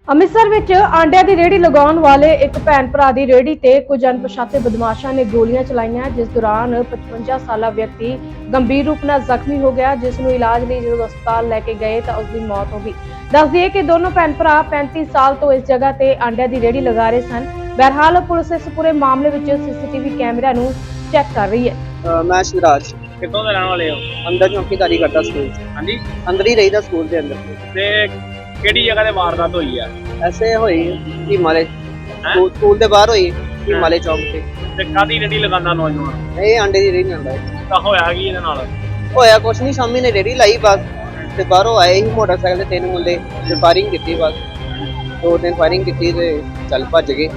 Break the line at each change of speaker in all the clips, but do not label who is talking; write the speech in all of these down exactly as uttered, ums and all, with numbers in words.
ਅੰਮ੍ਰਿਤਸਰ ਵਿੱਚ ਆਂਡਿਆਂ ਦੀ ਰੇਹੜੀ ਲਗਾਉਣ ਵਾਲੇ ਇੱਕ ਭੈਣ ਭਰਾ ਦੀ ਰੇਹੜੀ ਤੇ ਕੁਝ ਅਣਪਛਾਤੇ ਬਦਮਾਸ਼ਾਂ ਨੇ ਗੋਲੀਆਂ ਚਲਾਈਆਂ, ਜਿਸ ਦੌਰਾਨ ਪਚਵੰਜਾ ਸਾਲਾ ਵਿਅਕਤੀ ਗੰਭੀਰ ਰੂਪ ਨਾਲ ਜ਼ਖਮੀ ਹੋ ਗਿਆ, ਜਿਸ ਨੂੰ ਇਲਾਜ ਲਈ ਜਦੋਂ ਹਸਪਤਾਲ ਲੈ ਕੇ ਗਏ ਤਾਂ ਉਸ ਦੀ ਮੌਤ ਹੋ ਗਈ। ਦੱਸ ਦਈਏ ਕਿ ਦੋਨੋਂ ਭੈਣ ਭਰਾ ਪੈਂਤੀ ਸਾਲ ਤੋਂ ਇਸ ਜਗ੍ਹਾ ਤੇ ਆਂਡਿਆਂ ਦੀ ਰੇਹੜੀ ਲਗਾ ਰਹੇ ਸਨ। ਬਹਰਹਾਲ ਪੁਲਿਸ ਇਸ ਪੂਰੇ ਮਾਮਲੇ ਵਿੱਚ ਸੀਸੀਟੀਵੀ ਕੈਮਰਿਆਂ ਨੂੰ ਚੈੱਕ ਕਰ ਰਹੀ ਹੈ।
ਮੈਂ ਸ਼ਿਵਰਾਜ
ਕਿੱਥੋਂ ਦੇ ਰਹਿਣ ਵਾਲੇ ਹੋ?
ਅੰਦਰ ਚੌਕੀਦਾਰੀ ਕਰਦਾ ਸਕੂਲ 'ਚ।
ਹਾਂਜੀ,
ਅੰਦਰ ਹੀ ਰਹੀਦਾ ਸਕੂਲ ਦੇ ਅੰਦਰ।
ਤੇ ਕਿਹੜੀ ਜਗ੍ਹਾ ਤੇ ਵਾਰਦਾਤ ਹੋਈ ਆ?
ਐਸੇ ਹੋਈ ਹਿਮਾਲੇ ਸਕੂਲ ਸਕੂਲ ਦੇ ਬਾਹਰ ਹੋਈ ਹਿਮਾਲੇ ਚੌਕ ਤੇ।
ਤੇ ਕਾਦੀ ਰੇੜੀ ਲਗਾਉਂਦਾ ਨੌਜਵਾਨ?
ਇਹ ਆਂਡੇ ਦੀ ਰੇਹੜੀ ਆਂਦਾ
ਤਾਂ ਹੋਇਆ ਕੀ ਇਹਦੇ ਨਾਲ?
ਹੋਇਆ ਕੁਛ ਨਹੀਂ, ਸ਼ਾਮੀ ਨੇ ਰੇਹੜੀ ਲਾਈ ਬਸ, ਤੇ ਬਾਹਰੋਂ ਆਏ ਹੀ ਮੋਟਰਸਾਈਕਲ ਤੇ ਤਿੰਨ ਮੁੰਡੇ ਤੇ ਫਾਇਰਿੰਗ ਕੀਤੀ ਬਸ। ਦੋ ਤਿੰਨ ਫਾਇਰਿੰਗ ਕੀਤੀ ਤੇ ਚੱਲ ਭੱਜ ਗਏ।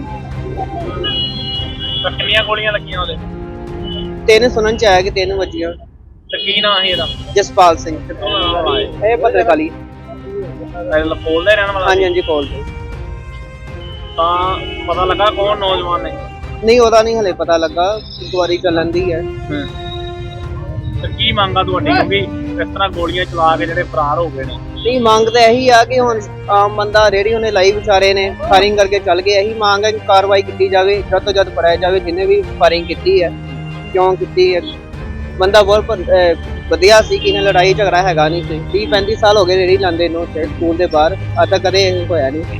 ਤਾਂ ਕਿੰਨੀਆਂ ਗੋਲੀਆਂ ਲੱਗੀਆਂ ਉਹਦੇ?
ਤਿੰਨ ਸੁਣਨ ਚ ਆਇਆ ਕਿ ਤਿੰਨ ਵੱਜੀਆਂ।
ਤੇ ਕੀ ਨਾਂ ਸੀ ਇਹਦਾ?
ਜਸਪਾਲ ਸਿੰਘ।
ਕਿੱਥੋਂ ਦਾ ਰਹਿਣ ਵਾਲਾ ਹੈ?
ਇਹ ਭੱਤਰਕਾਲੀ।
ਲਪੋਲ ਦਾ ਰਹਿਣ ਵਾਲਾ?
ਹਾਂਜੀ ਹਾਂਜੀ ਕੋਲ ਤੇ।
ਤਾਂ ਪਤਾ ਲੱਗਾ ਕੌਣ ਨੌਜਵਾਨ ਨੇ?
ਨਹੀਂ ਉਹਦਾ ਨਹੀਂ ਹਲੇ ਪਤਾ ਲੱਗਾ, ਇਨਕੁਆਇਰੀ ਚੱਲਣ ਦੀ ਹੈ।
ਤੇ ਕੀ ਮੰਗਾ ਤੁਹਾਡੀ, ਕਿਉਂਕਿ ਇਸ ਤਰ੍ਹਾਂ ਗੋਲੀਆਂ ਚਲਾ ਕੇ ਜਿਹੜੇ ਫਰਾਰ ਹੋ ਗਏ ਨੇ?
ਨਹੀਂ ਮੰਗ ਤਾਂ ਇਹੀ ਆ ਕਿ ਹੁਣ ਆਮ ਬੰਦਾ ਰੇਹੜੀ ਉਹਨੇ ਲਾਈ ਵਿਚਾਰੇ ਨੇ, ਫਾਇਰਿੰਗ ਕਰਕੇ ਚੱਲ ਗਏ। ਇਹੀ ਮੰਗ ਹੈ ਕਿ ਕਾਰਵਾਈ ਕੀਤੀ ਜਾਵੇ, ਜਦ ਤੋਂ ਜਦ ਫੜਿਆ ਜਾਵੇ ਜਿਹਨੇ ਵੀ ਫਾਇਰਿੰਗ ਕੀਤੀ ਹੈ, ਕਿਉਂ ਕੀਤੀ ਹੈ। ਬੰਦਾ ਬਹੁਤ ਵਧੀਆ ਸੀ ਕਿ ਇਹਨੇ ਲੜਾਈ ਝਗੜਾ ਹੈਗਾ ਨਹੀਂ ਸੀ। ਤੀਹ ਪੈਂਤੀ ਸਾਲ ਹੋ ਗਏ ਰੇਹੜੀ ਲਾਉਂਦੇ ਨੂੰ ਸਕੂਲ ਦੇ ਬਾਹਰ, ਅੱਜ ਤੱਕ ਕਦੇ ਇਹ ਹੋਇਆ ਨਹੀਂ।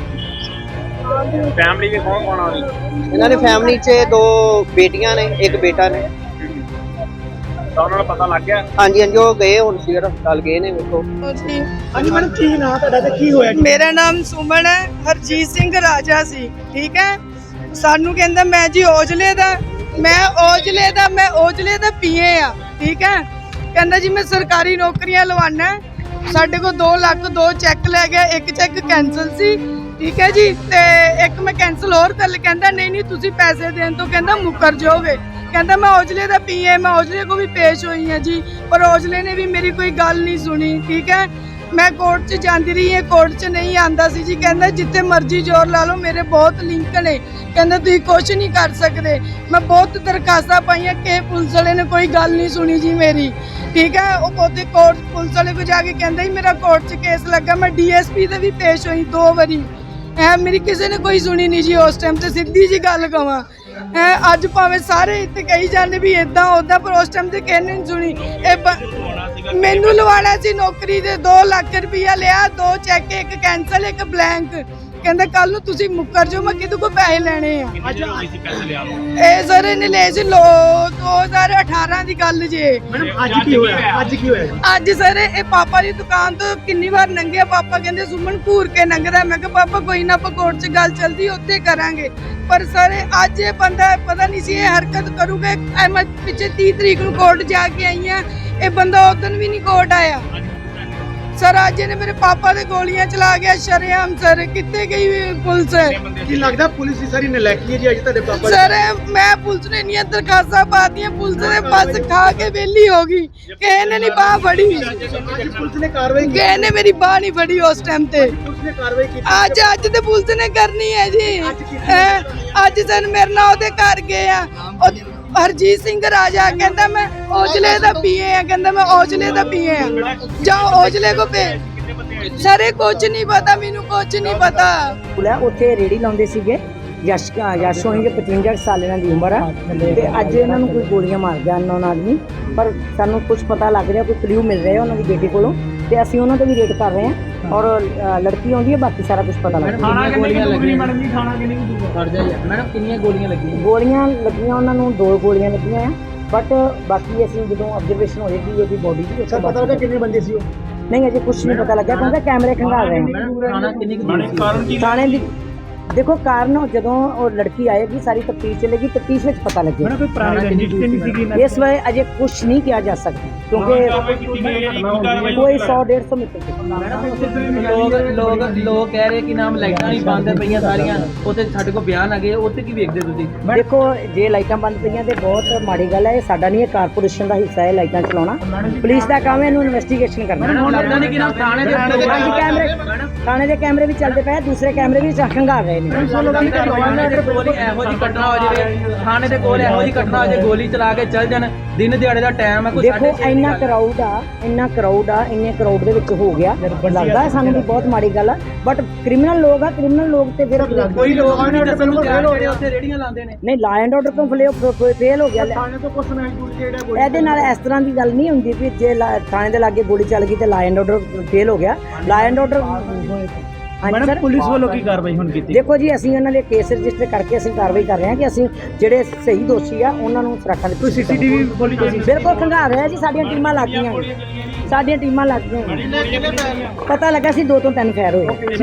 ਫੈਮਿਲੀ ਦੇ ਕੌਣ ਕੌਣ ਆ?
ਇਹਨਾਂ ਦੀ ਫੈਮਿਲੀ 'ਚ ਦੋ ਬੇਟੀਆਂ ਨੇ, ਇੱਕ ਬੇਟਾ ਨੇ।
ਤਾਂ ਉਹਨਾਂ ਨੂੰ ਪਤਾ ਲੱਗ ਗਿਆ?
ਹਾਂਜੀ ਹਾਂਜੀ ਉਹ ਗਏ ਹੁਣ ਸਿਵਲ ਹਸਪਤਾਲ ਗਏ ਨੇ। ਵੇਖੋ
ਜੀ
ਹਾਂਜੀ ਮੈਡਮ, ਕੀ ਨਾਮ ਤੁਹਾਡਾ ਤੇ ਕੀ ਹੋਇਆ?
ਮੇਰਾ ਨਾਮ ਸੁਮਨ ਹੈ। ਹਰਜੀਤ ਸਿੰਘ ਰਾਜਾ ਸੀ, ਠੀਕ ਹੈ। ਸਾਨੂੰ ਕਹਿੰਦਾ ਮੈਂ ਜੀ ਔਜਲੇ ਦਾ ਮੈਂ ਔਜਲੇ ਦਾ ਮੈਂ ਔਜਲੇ ਦਾ ਪੀਏ ਆ, ਠੀਕ ਹੈ। ਕਹਿੰਦਾ ਜੀ ਮੈਂ ਸਰਕਾਰੀ ਨੌਕਰੀਆਂ ਲਵਾਣਾ। ਸਾਡੇ ਕੋਲ ਦੋ ਲੱਖ ਦੋ ਚੈੱਕ ਲੈ ਗਿਆ, ਇੱਕ ਚੈੱਕ ਕੈਂਸਲ ਸੀ, ਠੀਕ ਹੈ ਜੀ, ਤੇ ਇੱਕ ਮੈਂ ਕੈਂਸਲ ਹੋਰ ਕਰ। ਕਹਿੰਦਾ ਨਹੀਂ ਨਹੀਂ ਤੁਸੀਂ ਪੈਸੇ ਦੇਣ ਤੋਂ ਕਹਿੰਦਾ ਮੁੱਕਰ ਜਾਓਗੇ। ਕਹਿੰਦਾ ਮੈਂ ਔਜਲੇ ਦਾ ਪੀਏ, ਮੈਂ ਔਜਲੇ ਕੋ ਵੀ ਪੇਸ਼ ਹੋਈ ਹਾਂ ਜੀ, ਪਰ ਔਜਲੇ ਨੇ ਵੀ ਮੇਰੀ ਕੋਈ ਗੱਲ ਨਹੀਂ ਸੁਣੀ, ਠੀਕ ਹੈ। ਮੈਂ ਕੋਰਟ 'ਚ ਜਾਂਦੀ ਰਹੀ ਹਾਂ, ਕੋਰਟ 'ਚ ਨਹੀਂ ਆਂਦਾ ਸੀ ਜੀ। ਕਹਿੰਦਾ ਜਿੱਥੇ ਮਰਜ਼ੀ ਜ਼ੋਰ ਲਾ ਲਓ, ਮੇਰੇ ਬਹੁਤ ਲਿੰਕ ਨੇ, ਕਹਿੰਦਾ ਤੁਸੀਂ ਕੁਝ ਨਹੀਂ ਕਰ ਸਕਦੇ। ਮੈਂ ਬਹੁਤ ਦਰਖਾਸਤਾਂ ਪਾਈਆਂ ਕਿ ਪੁਲਿਸ ਵਾਲੇ ਨੇ ਕੋਈ ਗੱਲ ਨਹੀਂ ਸੁਣੀ ਜੀ ਮੇਰੀ, ਠੀਕ ਹੈ। ਉਹ ਉਹਦੇ ਕੋਰਟ ਪੁਲਿਸ ਵਾਲੇ ਕੋ ਜਾ ਕੇ ਕਹਿੰਦਾ ਹੀ ਮੇਰਾ ਕੋਰਟ 'ਚ ਕੇਸ ਲੱਗਾ। ਮੈਂ ਡੀ ਐਸ ਪੀ ਦੇ ਵੀ ਪੇਸ਼ ਹੋਈ ਦੋ ਵਾਰੀ, ਐ ਮੇਰੀ ਕਿਸੇ ਨੇ ਕੋਈ ਸੁਣੀ ਨਹੀਂ ਜੀ ਉਸ ਟਾਈਮ ਤੇ। ਸਿੱਧੀ ਜੀ ਗੱਲ ਕਵਾਂ ਹੈ, ਅੱਜ ਭਾਵੇਂ ਸਾਰੇ ਇੱਥੇ ਕਹੀ ਜਾਂਦੇ ਵੀ ਇਦਾਂ ਉਦਾਂ, ਪਰ ਉਸ ਟਾਈਮ ਤੇ ਕਿਸੇ ਨੇ ਨਹੀਂ ਸੁਣੀ। ਇਹ ਮੈਨੂੰ ਲਵਾਣਾ ਸੀ ਨੌਕਰੀ ਦੇ, ਦੋ ਲੱਖ ਰੁਪਇਆ ਲਿਆ, ਦੋ ਚੈੱਕ, ਇੱਕ ਕੈਂਸਲ ਇੱਕ ਬਲੈਂਕ। ਕਹਿੰਦਾ ਕੱਲ ਨੂੰ ਤੁਸੀਂ ਮੁੱਕਰ ਜਾਓ, ਮੈਂ ਕਿਹਦੇ ਕੋਲ ਪੈਸੇ ਲੈਣੇ ਆ। ਇਹ ਸਰ ਇਹਨੇ ਲਏ ਸੀ ਲੋ ਦੋ ਹਜ਼ਾਰ ਅਠਾਰਾਂ ਦੀ ਗੱਲ ਜੇ।
ਮੈਡਮ ਅੱਜ ਕੀ ਹੋਇਆ? ਅੱਜ ਕੀ ਹੋਇਆ?
ਅੱਜ ਸਰ ਇਹ ਪਾਪਾ ਦੀ ਦੁਕਾਨ ਤੋਂ ਕਿੰਨੀ ਵਾਰ ਲੰਘਿਆ, ਪਾਪਾ ਕਹਿੰਦੇ ਸੁਮਨ ਘੂਰ ਕੇ ਲੰਘਦਾ। ਮੈਂ ਕਿਹਾ ਪਾਪਾ ਕੋਈ ਨਾ, ਆਪਾਂ ਕੋਰਟ 'ਚ ਗੱਲ ਚੱਲਦੀ ਉੱਥੇ ਕਰਾਂਗੇ। ਪਰ ਸਰ ਅੱਜ ਇਹ ਬੰਦਾ ਪਤਾ ਨਹੀਂ ਸੀ ਇਹ ਹਰਕਤ ਕਰੂਗਾ। ਮੈਂ ਪਿੱਛੇ ਤੀਹ ਤਰੀਕ ਨੂੰ ਕੋਰਟ ਜਾ ਕੇ ਆਈ ਆ, ਇਹ ਬੰਦਾ ਉਸ ਦਿਨ ਵੀ ਨਹੀਂ ਕੋਰਟ ਆਇਆ। ਸਰ ਅੱਜ ਇਹਨੇ ਮੇਰੇ ਪਾਪਾ ਦੇ ਗੋਲੀਆਂ ਚਲਾ ਗਿਆ ਸ਼ਰੇਆਮ। ਸਰ ਕਿੱਥੇ ਗਈ ਪੁਲਿਸ?
ਕੀ ਲੱਗਦਾ ਪੁਲਿਸ ਦੀ ਸਾਰੀ ਨਲਾਇਕੀ ਹੈ ਜੀ ਅੱਜ ਤੁਹਾਡੇ ਪਾਪਾ?
ਸਰ ਮੈਂ ਪੁਲਿਸ ਨੇ ਇੰਨੀਆਂ ਦਰਖਾਸਤਾਂ ਪਾਤੀਆਂ, ਪੁਲਿਸ ਨੇ ਬਸ ਖਾ ਕੇ ਵਿਹਲੀ ਹੋ ਗਈ। ਕਿਸੇ ਨੇ ਨਹੀਂ ਬਾਹ ਫੜੀ,
ਅੱਜ ਪੁਲਿਸ ਨੇ ਕਾਰਵਾਈ ਕੀਤੀ?
ਕਿਸੇ ਨੇ ਮੇਰੀ ਬਾਹ ਨਹੀਂ ਫੜੀ ਉਸ ਟਾਈਮ ਤੇ।
ਪੁਲਿਸ ਨੇ ਕਾਰਵਾਈ ਕੀਤੀ?
ਅੱਜ ਅੱਜ ਤੇ ਪੁਲਿਸ ਨੇ ਕਰਨੀ ਹੈ ਜੀ। ਹੈਂ, ਅੱਜ ਸਨ ਮੇਰੇ ਨਾਲ ਉਹਦੇ ਘਰ ਗਏ ਆ। ਉਹ ਹਰਜੀਤ ਸਿੰਘ ਰਾਜਾ ਕਹਿੰਦਾ ਮੈਂ ਔਜਲੇ ਦਾ ਪੀਏ ਆ, ਕਹਿੰਦਾ ਮੈਂ ਔਜਲੇ ਦਾ ਪੀਏ ਆ, ਜਾਓ ਔਜਲੇ ਕੋ ਪੇ। ਸਾਰੇ ਕੁਝ ਨਹੀਂ ਪਤਾ ਮੈਨੂੰ, ਕੁਝ ਨਹੀਂ ਪਤਾ।
ਉੱਥੇ ਰੇੜੀ ਲਾਉਂਦੇ ਸੀਗੇ। ਯਸ਼ ਯਸ਼ ਹੋਣਗੇ ਪਚਵੰਜਾ ਸਾਲ ਇਹਨਾਂ ਦੀ ਉਮਰ ਆ, ਤੇ ਅੱਜ ਇਹਨਾਂ ਨੂੰ ਕੋਈ ਗੋਲੀਆਂ ਮਾਰ ਗਿਆ ਅਨਨੋਨ ਆਦਮੀ। ਪਰ ਸਾਨੂੰ ਕੁਝ ਪਤਾ ਲੱਗ ਰਿਹਾ, ਕੋਈ ਕਲਿਊ ਮਿਲ ਰਿਹਾ ਉਹਨਾਂ ਦੀ ਬੇਟੀ ਕੋਲੋਂ, ਤੇ ਅਸੀਂ ਉਹਨਾਂ ਤੇ ਵੀ ਰੇਡ ਕਰ ਰਹੇ ਹਾਂ। ਔਰ ਲੜਕੀ ਆਉਂਦੀ ਹੈ, ਬਾਕੀ ਸਾਰਾ ਕੁਝ ਪਤਾ ਲੱਗ ਰਿਹਾ।
ਥਾਣਾ ਗੋਲੀਆਂ ਲੱਗੀਆਂ ਮੈਡਮ ਜੀ? ਥਾਣਾ ਕਿੰਨੀ ਦੂਰ ਕਰ ਜਾ ਯਾਰ ਮੈਡਮ, ਕਿੰਨੀਆਂ ਗੋਲੀਆਂ ਲੱਗੀਆਂ?
ਗੋਲੀਆਂ ਲੱਗੀਆਂ ਉਹਨਾਂ ਨੂੰ ਦੋ ਗੋਲੀਆਂ ਲੱਗੀਆਂ ਆ, ਬਟ ਬਾਕੀ ਅਸੀਂ ਜਦੋਂ ਆਬਜ਼ਰਵੇਸ਼ਨ ਹੋਏਗੀ ਉਹਦੀ ਬੋਡੀ ਦੀ, ਉਸ ਤੋਂ ਬਾਅਦ ਪਤਾ ਕਿੰਨੇ ਬੰਦੇ ਸੀ ਉਹ? ਨਹੀਂ ਅਜੇ ਕੁਝ ਨਹੀਂ ਪਤਾ ਲੱਗਿਆ, ਕਿਉਂਕਿ ਕੈਮਰੇ ਖੰਗਾਲ ਰਹੇ ਨੇ।
ਥਾਣਾ ਕਿੰਨੀ ਦੂਰ ਸੀ?
ਥਾਣੇ ਦੀ ਦੇਖੋ ਕਾਰਨ ਜਦੋਂ ਉਹ ਲੜਕੀ ਆਏਗੀ ਸਾਰੀ ਤਫਤੀਸ਼ ਚੱਲੇਗੀ, ਤਫਤੀਸ਼ ਵਿੱਚ ਪਤਾ ਲੱਗੇਗਾ।
ਮੈਡਮ ਕੋਈ ਪੁਰਾਣੀ ਰੰਜਿਸ਼ ਨਹੀਂ ਸੀਗੀ?
ਇਸ ਵੇਲੇ ਅਜੇ ਕੁਝ ਨਹੀਂ ਕਿਹਾ ਜਾ ਸਕਦਾ, ਕਿਉਂਕਿ ਕੋਈ ਸੌ ਡੇਢ ਸੌ ਮੀਟਰ
ਲੋਕ ਲੋਕ ਲੋਕ ਕਹਿ ਰਹੇ ਕਿ ਨਾਮ ਲਾਈਟਾਂ ਨਹੀਂ ਬੰਦ ਪਈਆਂ ਸਾਰੀਆਂ, ਉੱਥੇ ਸਾਡੇ ਕੋਲ ਬਿਆਨ ਆ ਗਏ, ਉੱਥੇ ਕੀ ਵੇਖਦੇ ਤੁਸੀਂ?
ਦੇਖੋ ਜੇ ਲਾਈਟਾਂ ਬੰਦ ਪਈਆਂ ਤੇ ਬਹੁਤ ਮਾੜੀ ਗੱਲ ਹੈ। ਇਹ ਸਾਡਾ ਨਹੀਂ, ਇਹ ਕਾਰਪੋਰੇਸ਼ਨ ਦਾ ਹਿੱਸਾ ਹੈ ਲਾਈਟਾਂ ਚਲਾਉਣਾ। ਪੁਲਿਸ ਦਾ ਕੰਮ ਹੈ ਇਹਨੂੰ ਇਨਵੈਸਟੀਗੇਸ਼ਨ ਕਰਨਾ।
ਹੁਣ ਲੱਗਦਾ ਨਹੀਂ ਕਿ ਨਾਮ ਥਾਣੇ ਦੇ
ਕੈਮਰੇ ਥਾਣੇ ਦੇ ਕੈਮਰੇ ਵੀ ਚੱਲਦੇ ਪਏ, ਦੂਸਰੇ ਕੈਮਰੇ ਵੀ ਖੰਗਾਲ ਰਹੇ। ਰਹੇ ਨੇ
ਥਾਣੇ ਦੇ ਕੋਲ ਹੀ ਇਹੋ ਜਿਹੀ ਘਟਨਾ ਹੋ ਜਾਵੇ, ਥਾਣੇ ਦੇ ਕੋਲ ਇਹੋ ਜਿਹੀ ਘਟਨਾ ਹੋ ਜਾਵੇ, ਗੋਲੀ ਚਲਾ ਕੇ ਚੱਲ ਜਾਣ, ਦਿਨ ਦਿਹਾੜੇ ਦਾ ਟਾਈਮ ਹੈ, ਕੋਈ
ਦੇਖੋ
ਸਾਢੇ ਛੇ
ਇੰਨਾ
ਦੀ ਗੱਲ ਹੈ।
ਕਰਾਊਡ ਆ ਇੰਨਾ ਕਰਾਊਡ ਆ ਇੰਨੇ ਕਰਾਊਡ ਦੇ ਵਿੱਚ ਹੋ ਗਿਆ ਲੱਗਦਾ ਹੈ ਸਾਨੂੰ ਵੀ ਬਹੁਤ ਮਾੜੀ ਗੱਲ ਆ ਬਟ ਕ੍ਰਿਮੀਨਲ ਲੋਕ ਆ ਕ੍ਰਿਮੀਨਲ ਲੋਕ ਤੇ ਫਿਰ
ਕੋਈ ਲੋਕ ਵੀ ਨਹੀਂ ਦੱਸਣ ਨੂੰ ਤਿਆਰ ਜਿਹੜੇ ਉੱਥੇ ਰੇੜੀਆਂ ਲਾਉਂਦੇ ਨੇ।
ਨਹੀਂ ਲਾ ਐਂਡ ਆਰਡਰ ਤੋਂ ਫਲੇ ਫੇਲ ਹੋ ਗਿਆ ਇਹਦੇ ਨਾਲ ਇਸ ਤਰ੍ਹਾਂ ਦੀ ਗੱਲ ਨਹੀਂ ਹੁੰਦੀ ਵੀ ਜੇ ਲਾ- ਥਾਣੇ ਦੇ ਲਾਗੇ ਗੋਲੀ ਚੱਲ ਗਈ ਤੇ ਲਾ ਐਂਡ ਆਰਡਰ ਫੇਲ ਹੋ ਗਿਆ ਲਾ ਐਂਡ ਆਰਡਰ ਹਾਂਜੀ ਸਰ
ਪੁਲਿਸ ਵੱਲੋਂ ਕੀ ਕਾਰਵਾਈ ਹੁਣ ਕੀਤੀ?
ਦੇਖੋ ਜੀ ਅਸੀਂ ਉਹਨਾਂ ਦੇ ਕੇਸ ਰਜਿਸਟਰ ਕਰਕੇ ਅਸੀਂ ਕਾਰਵਾਈ ਕਰ ਰਹੇ ਹਾਂ ਕਿ ਅਸੀਂ ਜਿਹੜੇ ਸਹੀ ਦੋਸ਼ੀ ਆ ਉਹਨਾਂ ਨੂੰ ਸੁਰੱਖਿਆ ਦਿੱਤੀ
ਕੋਈ ਸੀਸੀਟੀਵੀ ਗੋਲੀ ਚੱਲੀ?
ਬਿਲਕੁਲ ਖੰਗਾਰ ਰਿਹਾ ਜੀ ਸਾਡੀਆਂ ਟੀਮਾਂ ਲੱਗ ਗਈਆਂ ਸਾਡੀਆਂ ਟੀਮਾਂ ਲੱਗ ਗਈਆਂ ਪਤਾ ਲੱਗਾ ਸੀ ਦੋ ਤੋਂ ਤਿੰਨ ਫੈਰ ਹੋਏ